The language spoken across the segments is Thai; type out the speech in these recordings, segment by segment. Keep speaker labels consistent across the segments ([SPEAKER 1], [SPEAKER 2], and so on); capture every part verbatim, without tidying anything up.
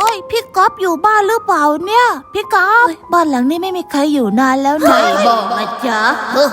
[SPEAKER 1] ยพี่ก๊อฟอยู่บ้านหรือเปล่าเนี่ยพี่ก๊อฟบ้านหลังนี้ไม่มีใครอยู่นานแล้วนะบอกนะจ๊ะ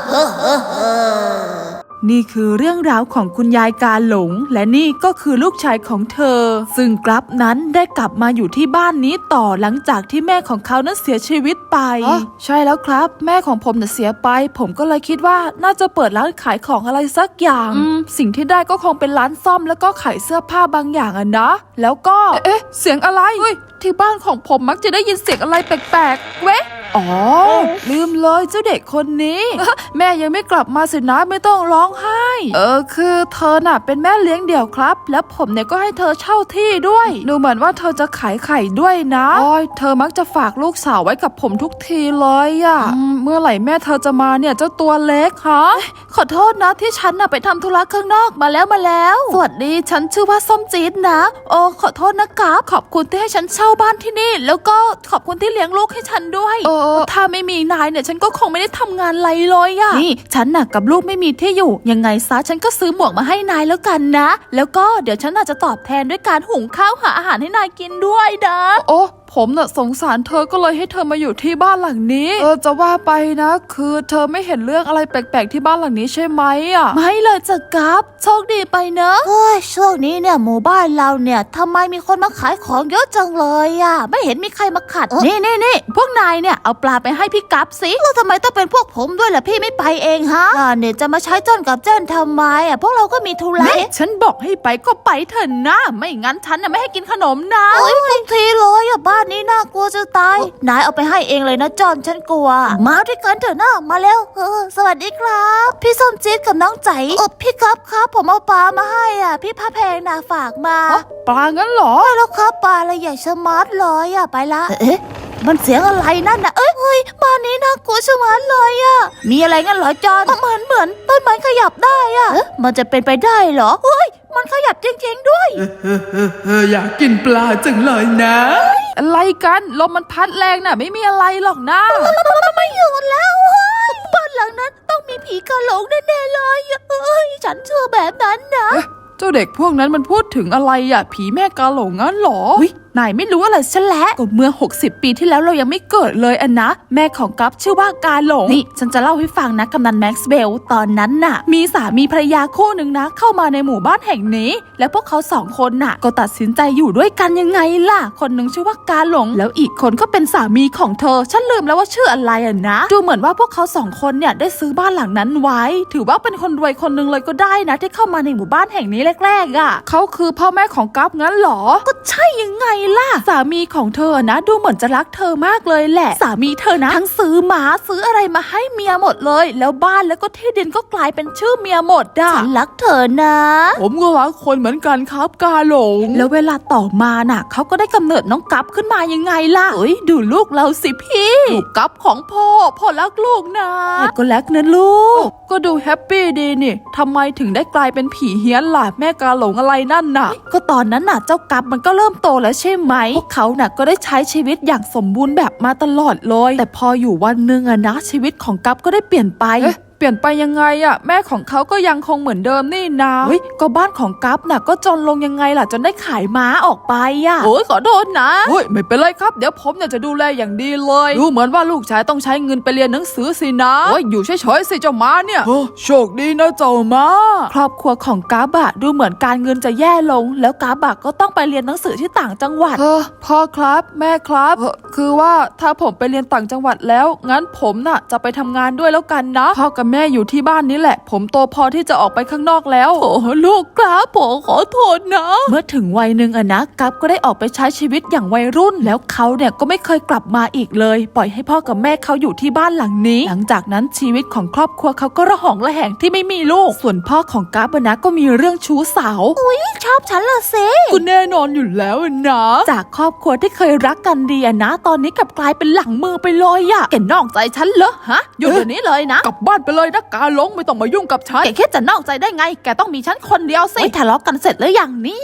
[SPEAKER 2] นี่คือเรื่องราวของคุณยายกาหลงและนี่ก็คือลูกชายของเธอซึ่งกลับนั้นได้กลับมาอยู่ที่บ้านนี้ต่อหลังจากที่แม่ของเขานั้นเสียชีวิตไปใช่แล้วครับแม่ของผมน่ะเสียไปผมก็เลยคิดว่าน่าจะเปิดร้านขายของอะไรสักอย่างสิ่งที่ได้ก็คงเป็นร้านซ่อมแล้วก็ขายเสื้อผ้าบางอย่างอะนะแล้วก็เอ๊ะเสียงอะไรที่บ้านของผมมักจะได้ยินเสียงอะไรแปลกๆเว้อ๋อลืมเลยเจ้าเด็กคนนี้ แม่ยังไม่กลับมาสินะไม่ต้องร้องไห้เออคือเธอน่ะเป็นแม่เลี้ยงเดี่ยวครับแล้วผมเนี่ยก็ให้เธอเช่าที่ด้วยดูเหมือนว่าเธอจะขายไข่ด้วยนะโอ้ยเธอมักจะฝากลูกสาวไว้กับผมทุกทีเลยอะเมื่อไหร่แม่เธอจะมาเนี่ยเจ้าตัวเล็กฮะขอโทษนะที่ฉันน่ะไปทำธุระข้างนอกมาแล้วมาแล้วสวัสดีฉันชื่อว่าส้มจี๊ดนะโอ้ขอโทษนะครับขอบคุณที่ให้ฉันเช่าบ้านที่นี่แล้วก็ขอบคุณที่เลี้ยงลูกให้ฉันด้วยเออถ้าไม่มีนายเนี่ยฉันก็คงไม่ได้ทำงานไรเลยอะนี่ฉันน่ะกับลูกไม่มีที่อยู่ยังไงซะฉันก็ซื้อหมวกมาให้นายแล้วกันนะแล้วก็เดี๋ยวฉันอาจจะตอบแทนด้วยการหุงข้าวหาอาหารให้นายกินด้วยนะโอ้ผมน่ะสงสารเธอก็เลยให้เธอมาอยู่ที่บ้านหลังนี้เออจะว่าไปนะคือเธอไม่เห็นเรื่องอะไรแปลกๆที่บ้านหลังนี้ใช่ไหมอ่ะไม่เลยจะกับโชคดีไปเนอะเฮ้ยช่วงนี้เนี่ยหมู่บ้านเราเนี่ยทำไมมีคนมาขายของเยอะจังเลยอ่ะไม่เห็นมีใครมาขัดนี่นี่นี่พวกนายเนี่ยเอาปลาไปให้พี่กับสิแล้วทำไมต้องเป็นพวกผมด้วยล่ะพี่ไม่ไปเองฮะเนี่ยจะมาใช้เจ้นกับเจ้นทำไมอ่ะพวกเราก็มีธุระฉันบอกให้ไปก็ไปเถอะนะไม่งั้นฉันน่ะไม่ให้กินขนมนะโอ้ยทุกทีเลยอ่ะบ้านนี้น่ากลัวจะตายนายเอาไปให้เองเลยนะจอนฉันกลัวมาด้วยกันเถอะนะมาเร็วเออสวัสดีครับพี่ส้มจี๊ดกับน้องใจเออพี่ครับครับผมเอาปลามาให้อ่ะพี่พระแพงน่ะฝากมาปลางั้นเหรอใช่แล้วครับปลาอะไรใหญ่ชะมัดเลยอ่ะไปละเอ๊ะมันเสียงอะไรนั่นน่ะเอ้ยเฮ้ยบ้านนี้น่ากลัวชะมัดเลยอ่ะมีอะไรงั้นเหรอจอนเหมือนเหมือนต้นไม้ขยับได้อ่ะมันจะเป็นไปได้เหรอเฮ้ยมันขยับจริงๆด้วย
[SPEAKER 3] อยากกินปลาจังเลยนะ
[SPEAKER 2] อะไรกันลมมันพัดแรงน่ะไม่มีอะไรหรอกนะ
[SPEAKER 1] ไม่อยู่แล้วบ้านหลังนั้นต้องมีผีกะหลงแน่ๆเลยเอ้ยฉันเชื่อแบบนั้นนะ
[SPEAKER 2] เจ้าเด็กพวกนั้นมันพูดถึงอะไรอ่ะผีแม่กาหลงงั้นหรอนายไม่รู้อะไรซะแล้วก็เมื่อหกสิบปีที่แล้วเรายังไม่เกิดเลยอันนะแม่ของกัฟชื่อว่ากาหลงนี่ฉันจะเล่าให้ฟังนะกำนันแม็กซ์เวลตอนนั้นน่ะมีสามีภรรยาคู่หนึ่งนะเข้ามาในหมู่บ้านแห่งนี้และพวกเขาสองคนน่ะก็ตัดสินใจอยู่ด้วยกันยังไงล่ะคนหนึ่งชื่อว่ากาหลงแล้วอีกคนก็เป็นสามีของเธอฉันลืมแล้วว่าชื่ออะไรอ่ะนะดูเหมือนว่าพวกเขาสองคนเนี่ยได้ซื้อบ้านหลังนั้นไว้ถือว่าเป็นคนรวยคนหนึ่งเลยก็ได้นะที่เข้ามาในหมู่บ้านแห่งนี้แรกๆอ่ะเขาคือพ่อแม่ของกัฟงั้นหรอก็ใช่ยังไงล่ะสามีของเธอนะดูเหมือนจะรักเธอมากเลยแหละสามีเธอนะทั้งซื้อหมาซื้ออะไรมาให้เมียหมดเลยแล้วบ้านแล้วก็ที่ดินก็กลายเป็นชื่อเมียหมดอ่ะฉันรักเธอนะ
[SPEAKER 3] ผมก็รักคนเหมือนกันครับกาหลง
[SPEAKER 2] แล้วเวลาต่อมาน่ะเขาก็ได้กำเนิดน้องกัฟขึ้นมายังไงล่ะเอ้ยดูลูกเราสิพี่ลูกกัฟของพ่อพ่อรักลูกนะก็รักนะลูกก็ดูแฮปปี้ดีนี่ทำไมถึงได้กลายเป็นผีเฮี้ยนล่ะแม่กาหลงอะไรนั่นน่ะก็ตอนนั้นน่ะเจ้ากัฟมันก็เริ่มโตแล้วใช่ไหมพวกเขาน่ะก็ได้ใช้ชีวิตอย่างสมบูรณ์แบบมาตลอดเลยแต่พออยู่วันหนึ่งอะนะชีวิตของกัฟก็ได้เปลี่ยนไปเปลี่ยนไปยังไงอะแม่ของเขาก็ยังคงเหมือนเดิมนี่นะเฮ้ยก็บ้านของกัฟน่ะก็จนลงยังไงล่ะจนได้ขายม้าออกไปอะโอ้ยขอโทษนะ
[SPEAKER 3] เฮ้ยไม่เป็นไรครับเดี๋ยวผมเนี่ยจะดูแลอย่างดีเลยดูเหมือนว่าลูกชายต้องใช้เงินไปเรียนหนังสือสินะโอ้ยอยู่เฉยๆสิเจ้าม้าเนี่ยโอ้โชคดีนะเจ้าม้า
[SPEAKER 2] ครอบครัวของกัฟอะดูเหมือนการเงินจะแย่ลงแล้วกัฟอะก็ต้องไปเรียนหนังสือที่ต่างจังหวัดเออพ่อครับแม่ครับคือว่าถ้าผมไปเรียนต่างจังหวัดแล้วงั้นผมน่ะจะไปทำงานด้วยแล้วกันนะพ่อกับแม่อยู่ที่บ้านนี่แหละผมโตพอที่จะออกไปข้างนอกแล้วโอ้ลูกครับผมขอโทษนะเมื่อถึงวัยหนึ่งอะนะกัฟก็ได้ออกไปใช้ชีวิตอย่างวัยรุ่นแล้วเขาเนี่ยก็ไม่เคยกลับมาอีกเลยปล่อยให้พ่อกับแม่เขาอยู่ที่บ้านหลังนี้หลังจากนั้นชีวิตของครอบครัวเขาก็ระหองระแหงที่ไม่มีลูกส่วนพ่อของกัฟนะก็มีเรื่องชู้สาว
[SPEAKER 1] อุ้ยชอบฉันเหรอเซ่
[SPEAKER 3] ก็แน่นอนอยู่แล้วนะ
[SPEAKER 2] จากครอบครัวที่เคยรักกันดีอะนะตอนนี้กลับกลายเป็นหลังมือไปเลยอะแกนอกใจฉันเหรอฮะอยู่เดี๋ยวนี้เลยนะ
[SPEAKER 3] กลับบ้านไปเลยนะกาหลงไม่ต้องมายุ่งกับฉัน
[SPEAKER 2] แกแค่จะนอกใจได้ไงแกต้องมีฉันคนเดียวสิไม่ทะเลาะกันเสร็จแล้วอย่างนี้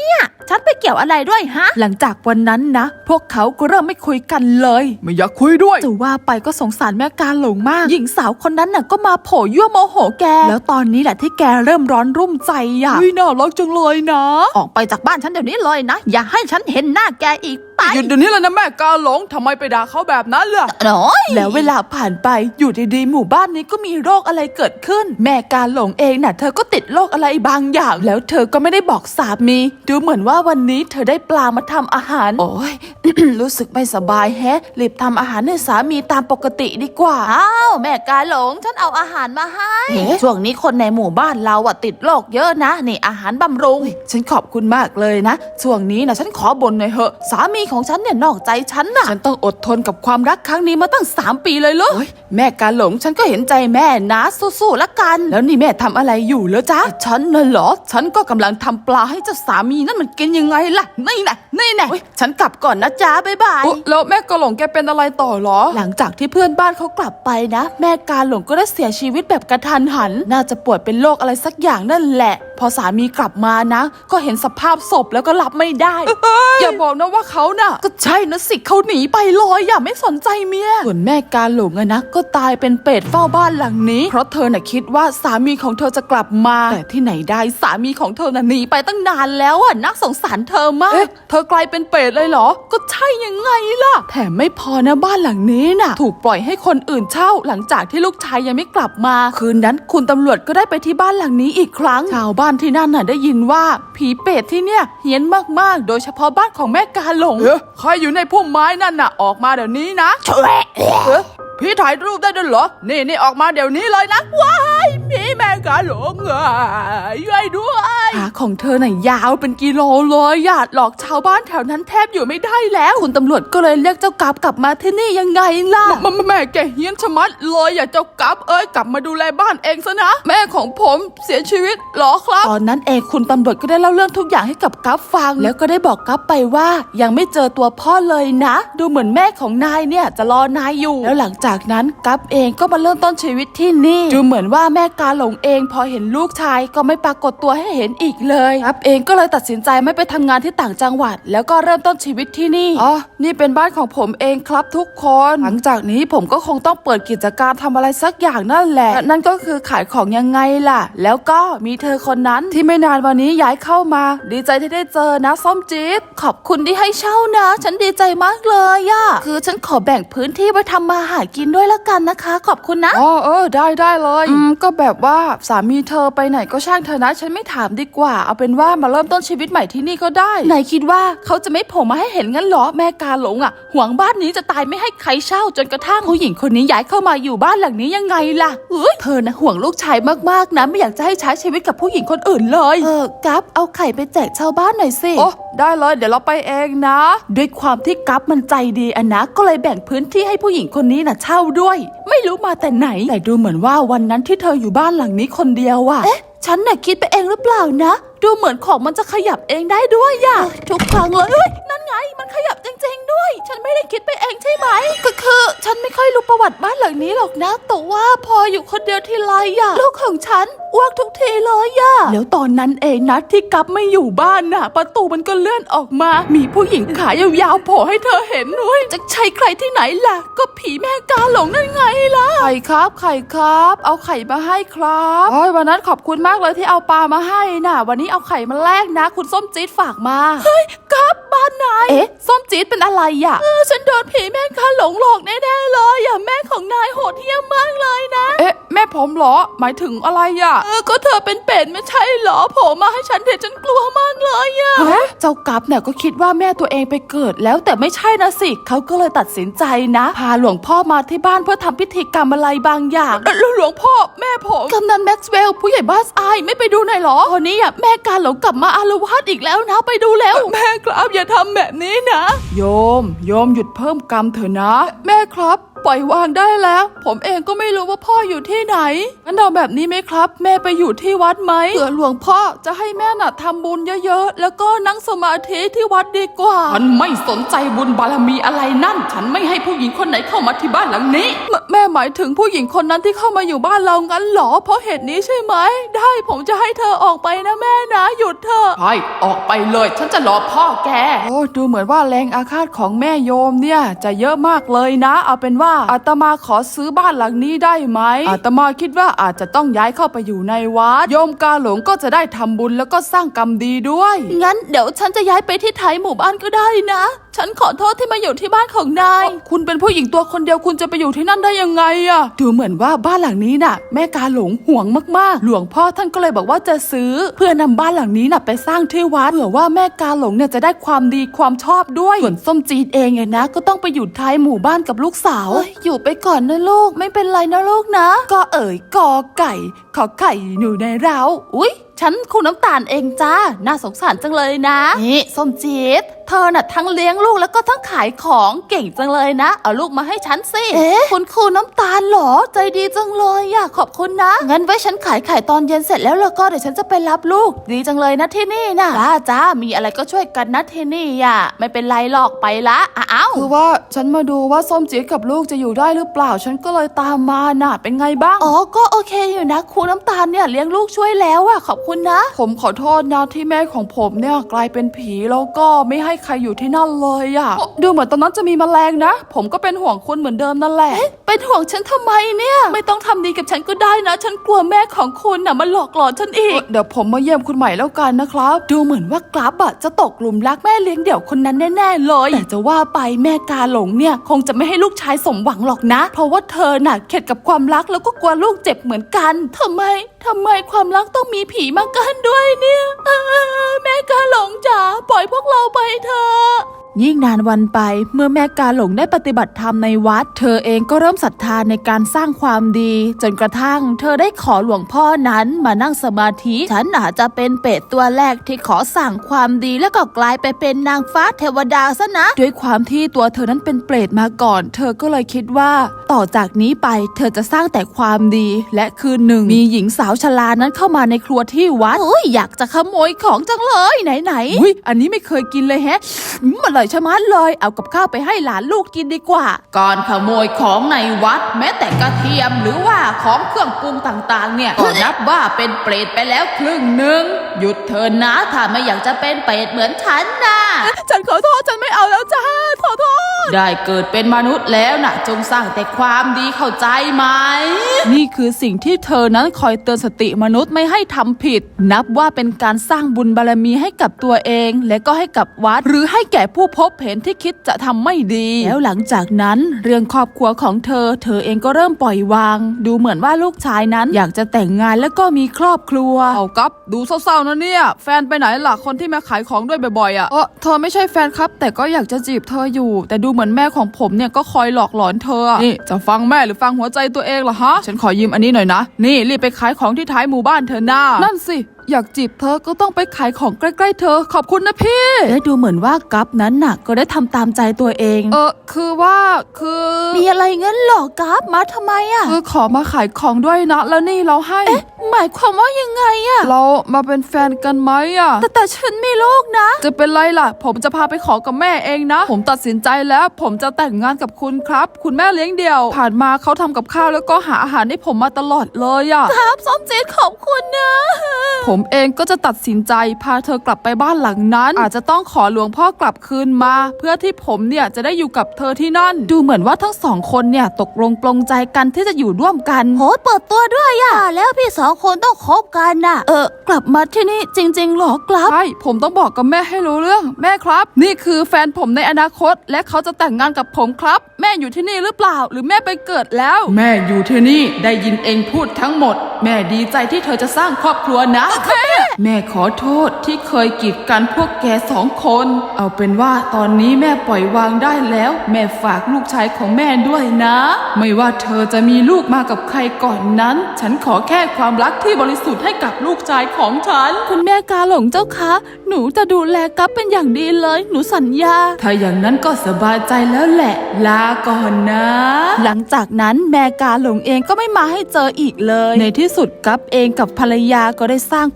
[SPEAKER 1] ฉันไปเกี่ยวอะไรด้วยฮะ
[SPEAKER 2] หลังจากวันนั้นนะพวกเขาก็เริ่มไม่คุยกันเลย
[SPEAKER 3] ไม่อยากคุยด้วย
[SPEAKER 2] จะว่าไปก็สงสารแม่กาหลงมากหญิงสาวคนนั้นน่ะก็มาโผล่ยั่วโมโหแกแล้วตอนนี้แหละที่แกเริ่มร้อนรุ่มใจอ่ะ
[SPEAKER 3] วิน่ารักจังเลยนะ
[SPEAKER 1] ออกไปจากบ้านฉันเดี๋ยวนี้เลยนะอย่าให้ฉันเห็นหน้าแกอีกไป
[SPEAKER 3] หยุดเดี๋ยวนี้เลยนะแม่กาหลงทำไมไปด่าเขาแบบนั้นล่ะ
[SPEAKER 1] น้อย
[SPEAKER 2] แล้วเวลาผ่านไปอยู่ดีๆหมู่บ้านนี้ก็มีโรคอะไรเกิดขึ้น แม่กาหลงเองน่ะเธอก็ติดโรคอะไรบางอย่าง แล้วเธอก็ไม่ได้บอกสามีดูเหมือนว่าวันนี้เธอได้ปลามาทำอาหารโอ้ย รู้สึกไม่สบายแฮะรีบทำอาหารให้สามีตามปกติดีกว่า
[SPEAKER 1] อ้าวแม่กาหลงฉันเอาอาหารมาให้ช่วงนี้คนในหมู่บ้านเราอะติดโรคเยอะนะนี่อาหารบำรุง
[SPEAKER 2] ฉันขอบคุณมากเลยนะช่วงนี้นะฉันขอบ่นหน่อยเหอะสามีของฉันเนี่ยนอกใจฉันน่ะฉันต้องอดทนกับความรักครั้งนี้มาตั้งสามปีเลยเหรอโอ๊ยแม่กาหลงฉันก็เห็นใจแม่นะสู้ๆละกันแล้วนี่แม่ทำอะไรอยู่เหรอจ๊ะฉันน่ะเหรอฉันก็กำลังทำปลาให้เจ้าสามีนั่นมันกินยังไงล่ะนี่แน่นี่แน่โอ๊ยฉันกลับก่อนนะจ๊ะบ๊ายบาย
[SPEAKER 3] อุ๊ยแล้วแม่กาหลงแกเป็นอะไรต่อเหรอ
[SPEAKER 2] หลังจากที่เพื่อนบ้านเขากลับไปนะ แม่กาหลงก็ได้เสียชีวิตแบบกระทันหัน น่าจะป่วยเป็นโรคอะไรสักอย่างนั่นแหละ พอสามีกลับมานะ ก็เห็นสภาพศพแล้วก็รับไม่ได้
[SPEAKER 3] อย่าบอกนะว่าเขาน่ะ
[SPEAKER 2] ก็ใช่นะสิเขาหนีไปลอยอย่าไม่สนใจเมียส่วนแม่กาหลงอะนะก็ตายเป็นเป็ดเฝ้าบ้านหลังนี้ เพราะเธอน่ะคิดว่าสามีของเธอจะกลับมา แต่ที่ไหนได้สามีของเธอน่ะหนีไปตั้งนานแล้วอะน่าสงสารเธอมาก
[SPEAKER 3] เอ๊ะเธอกลายเป็นเป็ดเลยเหรอ
[SPEAKER 2] ก็ใช่ยังไงล่ะ แถมไม่พอนะบ้านหลังนี้น่ะ ถูกปล่อยให้คนอื่นเช่า หลังจากที่ลูกชายยังไม่กลับมา คืนนั้นคุณตำรวจก็ได้ไปที่บ้านหลังนี้อีกครั้ง ชาวบ้านที่นั่นน่ะได้ยินว่าผีเป็ดที่เนี่ยเฮี้ยนมากๆ โดยเฉพาะบ้านของแม่กาหลง
[SPEAKER 3] เอ๊ะใครอยู่ในพุ่มไม้นั่นน่ะออกมาเดี๋ยวนี้นะ
[SPEAKER 1] แฉะ
[SPEAKER 3] เอ๊ะพี่ถ่ายรูปได้ด้วยเหรอ นี่นี่ออกมาเดี๋ยวนี้เลยนะ ว้ายพี่แม่กาหลงเอ้ยช่วยด้วย
[SPEAKER 2] ขาของเธอน่ะยาวเป็นกิโลเลยหยาดหลอกชาวบ้านแถวนั้นแทบอยู่ไม่ได้แล้ว คุณตำรวจก็เลยเรียกเจ้ากราฟกลับมาที่นี่ยังไงล่ะ
[SPEAKER 3] แม่แม่แกเฮี้ยนชะมัดเลยอย่าเจ้ากับเอ้ยกลับมาดูแลบ้านเองซะนะ แม่ของผมเสียชีวิตเหรอครับ
[SPEAKER 2] ตอนนั้นเองคุณตำรวจก็ได้เล่าเรื่องทุกอย่างให้กับกัฟฟัง แล้วก็ได้บอกกัฟไปว่ายังไม่เจอตัวพ่อเลยนะ ดูเหมือนแม่ของนายเนี่ยจะรอนายอยู่ แล้วหลังจากนั้นกัฟเองก็มาเริ่มต้นชีวิตที่นี่ดูเหมือนว่าแม่กาหลงเองพอเห็นลูกชายก็ไม่ปรากฏตัวให้เห็นอีกเลยกัฟเองก็เลยตัดสินใจไม่ไปทำงานที่ต่างจังหวัด แล้วก็เริ่มต้นชีวิตที่นี่
[SPEAKER 3] อ๋อ นี่เป็นบ้านของผมเองครับทุกคน
[SPEAKER 2] หลังจากนี้ผมก็คงต้องเปิดกิจการทำอะไรสักอย่างนั่นแหละและนั่นก็คือขายของยังไงล่ะ แล้วก็มีเธอคนนั้นที่ไม่นานวันนี้ย้ายเข้ามา ดีใจที่ได้เจอนะส้มจี๊ดขอบคุณที่ให้เช่านะ ฉันดีใจมากเลยอะคือฉันขอแบ่งพื้นที่ไว้ทำมาหากินด้วยละกันนะคะ ขอบคุณนะ
[SPEAKER 3] อ๋อเออได้ได้เลยอืมก็แบบว่าสามีเธอไปไหนก็ช่างเธอนะฉันไม่ถามดีกว่าเอาเป็นว่ามาเริ่มต้นชีวิตใหม่ที่นี่ก็ได้
[SPEAKER 2] นายคิดว่าเขาจะไม่โผล่มาให้เห็นงั้นเหรอแม่กาหลงอ่ะหวงบ้านนี้จะตายไม่ให้ใครเช่าจนกระทั่งผู้หญิงคนนี้ย้ายเข้ามาอยู่บ้านหลังนี้ยังไงล่ะเอ้ยเธอนะห่วงลูกชายมากๆนะไม่อยากจะให้ใช้ชีวิตกับผู้หญิงคนอื่นเลยเออกัฟเอาไข่ไปแจกชาวบ้านหน่อยสิ
[SPEAKER 3] โอ้ได้เลยเดี๋ยวเราไปเองนะ
[SPEAKER 2] ด้วยความที่กัฟมันใจดีอะนะก็เลยแบ่งพื้นที่ให้ผู้หญิงคนนี้น่ะเช่าด้วย ไม่รู้มาแต่ไหนแต่ดูเหมือนว่าวันนั้นที่เธออยู่บ้านหลังนี้คนเดียวอะเอ๊ะฉันน่ะคิดไปเองหรือเปล่านะดูเหมือนของมันจะขยับเองได้ด้วยอะทุกครั้งเลยเอ้ยนั่นไงมันขยับจริงๆด้วย ฉันไม่ได้คิดไปเองใช่ไหมก็คือฉันไม่ค่อยรู้ประวัติบ้านหลังนี้หรอกนะแต่ว่าพออยู่คนเดียวทีไรอะลูกของฉันอ้วกทุกทีเลยอะแล้วตอนนั้นเองนะที่กัฟไม่อยู่บ้านน่ะประตูมันก็เลื่อนออกมา มีผู้หญิงขายาวๆโผล่ให้เธอเห็นด้วยจะใช่ใครที่ไหนล่ะก็ผีแม่กาหลงนั่นไงล่ะ
[SPEAKER 3] ไข่ครับไข่ครับ เอาไข่มาให้ครับโอ้ยวันนั้นขอบคุณมากเลยที่เอาปลามาให้น่ะ วันนี้เอาไข่มาแลกนะ คุณส้มจี๊ดฝากมา
[SPEAKER 2] กัฟบ้านนายเอ๊ะส้มจี๊ดเป็นอะไรอ่ะเออฉันโดนผีแม่กาหลงหลอกแน่ๆเลยอ่ะแม่ของนายโหดเหี้ยมมากเลยนะ
[SPEAKER 3] เอ๊ะแม่ผมเหรอหมายถึงอะไรอ่ะ
[SPEAKER 2] เออก็เธอเป็นเป็ดไม่ใช่เหรอโผล่มาให้ฉันเห็นฉันกลัวมากเลยอะเจ้ากัฟเนี่ยก็คิดว่าแม่ตัวเองไปเกิดแล้วแต่ไม่ใช่นะสิเขาก็เลยตัดสินใจนะพาหลวงพ่อมาที่บ้านเพื่อทำพิธีกรรมอะไรบางอย่างหลวงพ่อแม่ผมกำนันแม็กซ์เวลล์ผู้ใหญ่บ้านอายไม่ไปดูหน่อยเหรอตอนนี้อะแม่การหลงกลับมาอาละวาดอีกแล้วนะไปดูแล้วแม่ครับอย่าทำแบบนี้นะ
[SPEAKER 3] โยมโยมหยุดเพิ่มกรรมเถอะนะ แม่ครับปล่อยวางได้แล้ว ผมเองก็ไม่รู้ว่าพ่ออยู่ที่ไหนงั้นเอาแบบนี้ไหมครับ แม่ไปอยู่ที่วัดไหมเผื่อหลวงพ่อจะให้แม่น่ะทำบุญเยอะๆแล้วก็นั่งสมาธิที่วัดดีกว่า
[SPEAKER 2] ฉันไม่สนใจบุญบารมีอะไรนั่นฉันไม่ให้ผู้หญิงคนไหนเข้ามาที่บ้านหลังนี้
[SPEAKER 3] แม่แม่หมายถึงผู้หญิงคนนั้นที่เข้ามาอยู่บ้านเรางั้นเหรอเพราะเหตุนี้ใช่ไหมได้ผมจะให้เธอออกไปนะแม่นะหยุดเถอะใช่ออกไปเลยฉันจะรอพ่อแกโอ้ดูเหมือนว่าแรงอาฆาตของแม่โยมเนี่ยจะเยอะมากเลยนะเอาเป็นว่าอาตมาขอซื้อบ้านหลังนี้ได้ไหมอาตมาคิดว่าอาจจะต้องย้ายเข้าไปอยู่ในวัดโยมกาหลงก็จะได้ทำบุญแล้วก็สร้างกรรมดีด้วย
[SPEAKER 1] งั้นเดี๋ยวฉันจะย้ายไปที่ไทยหมู่บ้านก็ได้นะฉันขอโทษที่มาอยู่ที่บ้านของนาย
[SPEAKER 3] คุณเป็นผู้หญิงตัวคนเดียวคุณจะไปอยู่ที่นั่นได้ยังไงอะดูเหมือนว่าบ้านหลังนี้น่ะแม่กาหลงห่วงมากๆหลวงพ่อท่านก็เลยบอกว่าจะซื้อเพื่อนำบ้านหลังนี้น่ะไปสร้างที่วัดเผื่อว่าแม่กาหลงเนี่ยจะได้ความดีความชอบด้วยส่วนส้มจีดเองเนี่ยนะก็ต้องไปอยู่ท้ายหมู่บ้านกับลูกสาว
[SPEAKER 1] อยู่ไปก่อนนะลูกไม่เป็นไรนะลูกนะ
[SPEAKER 3] ก็เอ๋ยกอไก่ขอไข่หนูในเรา
[SPEAKER 1] อุ๊ยฉันคุณน้ำตาลเองจ้าน่าสงสารจังเลยนะนี่ส้มจีดเธอน่ะทั้งเลี้ยงลูกแล้วก็ทั้งขายของเก่งจังเลยนะเอาลูกมาให้ฉันสิเอ๊ะคุณครูน้ำตาลเหรอใจดีจังเลยอยากขอบคุณนะงั้นไว้ฉันขายไข่ตอนเย็นเสร็จแล้วแล้วก็เดี๋ยวฉันจะไปรับลูกดีจังเลยนะที่นี่นะจ้าจ้ามีอะไรก็ช่วยกันนะที่นี่อ่ะไม่เป็นไรหรอกไปละอ้าว
[SPEAKER 3] คือว่าฉันมาดูว่าส้มจีดกับลูกจะอยู่ได้หรือเปล่าฉันก็เลยตามมาน่ะเป็นไงบ้าง
[SPEAKER 1] อ๋อก็โอเคอยู่นะครูน้ำตาลเนี่ยเลี้ยงลูกช่วยแล้วอ่ะขอบคุณนะ
[SPEAKER 3] ผมขอโทษนะที่แม่ของผมเนี่ยกลายเป็นผีแล้วก็ไม่ให้ใครอยู่ที่นั่นเลยอะดูเหมือนตอนนั้นจะมีแมลงนะผมก็เป็นห่วงคุณเหมือนเดิมนั่นแหละ
[SPEAKER 1] เป็นห่วงฉันทำไมเนี่ยไม่ต้องทำดีกับฉันก็ได้นะฉันกลัวแม่ของคุณน่ะมาหลอกหลอนฉันอีก
[SPEAKER 3] เดี๋ยวผมมาเยี่ยมคุณใหม่แล้วกันนะครับ
[SPEAKER 1] ดูเหมือนว่ากราฟอะจะตกหลุมรักแม่เลี้ยงเดี่ยวคนนั้นแน่ๆเลยแต่จะว่าไปแม่กาหลงเนี่ยคงจะไม่ให้ลูกชายสมหวังหรอกนะเพราะว่าเธอน่ะเข็ดกับความรักแล้วก็กลัวลูกเจ็บเหมือนกันทำไมทำไมความรักต้องมีผีมากันด้วยเนี่ยแม่กาหลงจ๋าปล่อยพวกเราไปเถอะ
[SPEAKER 2] ยิ่งนานวันไปเมื่อแม่กาหลงได้ปฏิบัติธรรมในวัดเธอเองก็เริ่มศรัทธาในการสร้างความดีจนกระทั่งเธอได้ขอหลวงพ่อนั้นมานั่งสมาธิฉันอาจจะเป็นเป็ดตัวแรกที่ขอสั่งความดีแล้วก็กลายไปเป็นนางฟ้าเทวดาซะนะด้วยความที่ตัวเธอนั้นเป็นเปรตมาก่อนเธอก็เลยคิดว่าต่อจากนี้ไปเธอจะสร้างแต่ความดีและคืนหนึ่งมีหญิงสาวชรานั้นเข้ามาในครัวที่วัด
[SPEAKER 1] โอ้ยอยากจะขโมยของจังเลยไหนๆ
[SPEAKER 2] อุ้ยอันนี้ไม่เคยกินเลยแฮะ
[SPEAKER 1] มันเลยชะมัดเลยเอากับข้าวไปให้หลานลูกกินดีกว่า
[SPEAKER 3] การขโมยของในวัดแม้แต่กระเทียมหรือว่าของเครื่องปรุงต่างๆเนี่ยก็นับว่าเป็นเปรตไปแล้วครึ่งหนึ่งหยุดเถอะนะถ้าไม่อยากจะเป็นเปรตเหมือนฉันนะ
[SPEAKER 1] ฉันขอโทษฉันไม่เอาแล้วจ้าขอโทษ
[SPEAKER 3] ได้เกิดเป็นมนุษย์แล้วนะจงสร้างแต่ความดีเข้าใจไหม
[SPEAKER 2] นี่คือสิ่งที่เธอนั้นคอยเตือนสติมนุษย์ไม่ให้ทำผิดนับว่าเป็นการสร้างบุญบารมีให้กับตัวเองและก็ให้กับวัดหรือให้แก่ผู้พบเห็นที่คิดจะทำไม่ดีแล้วหลังจากนั้นเรื่องครอบครัวของเธอเธอเองก็เริ่มปล่อยวางดูเหมือนว่าลูกชายนั้นอยากจะแต่งงานแล้วก็มีครอบครัว
[SPEAKER 3] เอากับดูเศร้าๆนะเนี่ยแฟนไปไหนล่ะคนที่มาขายของด้วยบ่อยๆอ่ะเออเธอไม่ใช่แฟนครับแต่ก็อยากจะจีบเธออยู่แต่ดูเหมือนแม่ของผมเนี่ยก็คอยหลอกหลอนเธอนี่จะฟังแม่หรือฟังหัวใจตัวเองล่ะฮะฉันขอยืมอันนี้หน่อยนะนี่รีบไปขายของที่ท้ายหมู่บ้านเธอหน้านั่นสิอยากจีบเธอก็ต้องไปขายของใกล้ๆเธอขอบคุณนะพี่
[SPEAKER 2] และดูเหมือนว่ากัฟนั้นน่ะก็ได้ทำตามใจตัวเอง
[SPEAKER 3] เออคือว่าคือ
[SPEAKER 1] มีอะไรเงี้ยหรอกัฟมาทำไมอ่ะ
[SPEAKER 3] คือขอมาขายของด้วยนะแล้วนี่เราให้
[SPEAKER 1] เอ๊ะหมายความว่ายังไงอ่ะ
[SPEAKER 3] เรามาเป็นแฟนกันไหมอ่ะ
[SPEAKER 1] แต่แต่ฉันมีลูกนะ
[SPEAKER 3] จะเป็นไรล่ะผมจะพาไปขอกับแม่เองนะผมตัดสินใจแล้วผมจะแต่งงานกับคุณครับคุณแม่เลี้ยงเดี่ยวผ่านมาเขาทำกับข้าวแล้วก็หาอาหารให้ผมมาตลอดเลยอ่ะ
[SPEAKER 1] ครับส้มจีดขอบคุณนะ
[SPEAKER 3] ผมเองก็จะตัดสินใจพาเธอกลับไปบ้านหลังนั้นอาจจะต้องขอหลวงพ่อกลับคืนมาเพื่อที่ผมเนี่ยจะได้อยู่กับเธอที่นั่น
[SPEAKER 2] ดูเหมือนว่าทั้งสองคนเนี่ยตกลงปลงใจกันที่จะอยู่ร่วมกัน
[SPEAKER 1] โหเปิดตัวด้วยอ่ะแล้วพี่สองคนต้องคบกันน่ะเออกลับมาที่นี่จริงๆหรอกลับ
[SPEAKER 3] ใช่ผมต้องบอกกับแม่ให้รู้เรื่องแม่ครับนี่คือแฟนผมในอนาคตและเขาจะแต่งงานกับผมครับแม่อยู่ที่นี่หรือเปล่าหรือแม่ไปเกิดแล้วแม่อยู่ที่นี่ได้ยินเองพูดทั้งหมดแม่ดีใจที่เธอจะสร้างครอบครัวนะแม่ขอโทษที่เคยกีดกันพวกแกสองคนเอาเป็นว่าตอนนี้แม่ปล่อยวางได้แล้วแม่ฝากลูกชายของแม่ด้วยนะไม่ว่าเธอจะมีลูกมากับใครก่อนนั้นฉันขอแค่ความรักที่บริสุทธิ์ให้กับลูกชายของฉัน
[SPEAKER 1] คุณแม่กาหลงเจ้าคะหนูจะดูแลกัฟเป็นอย่างดีเลยหนูสัญญา
[SPEAKER 3] ถ้าอย่างนั้นก็สบายใจแล้วแหละลาก่อนนะ
[SPEAKER 2] หลังจากนั้นแม่กาหลงเองก็ไม่มาให้เจออีกเลยในที่สุดกัฟเองกับภรรยาก็ได้สร้างครอบครัว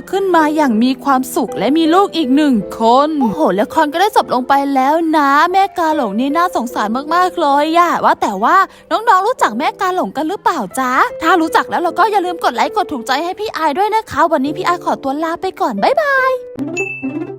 [SPEAKER 2] ขึ้นมาอย่างมีความสุขและมีลูกอีกหนึ่งคน
[SPEAKER 1] โอ้โหละครก็ได้จบลงไปแล้วนะ แม่กาหลงนี่น่าสงสารมากๆเลยอะว่าแต่ว่าน้องๆรู้จักแม่กาหลงกันหรือเปล่าจ๊ะถ้ารู้จักแล้วเราก็อย่าลืมกดไลค์กดถูกใจให้พี่ไอายด้วยนะคะวันนี้พี่ไอายขอตัวลาไปก่อนบ๊ายบาย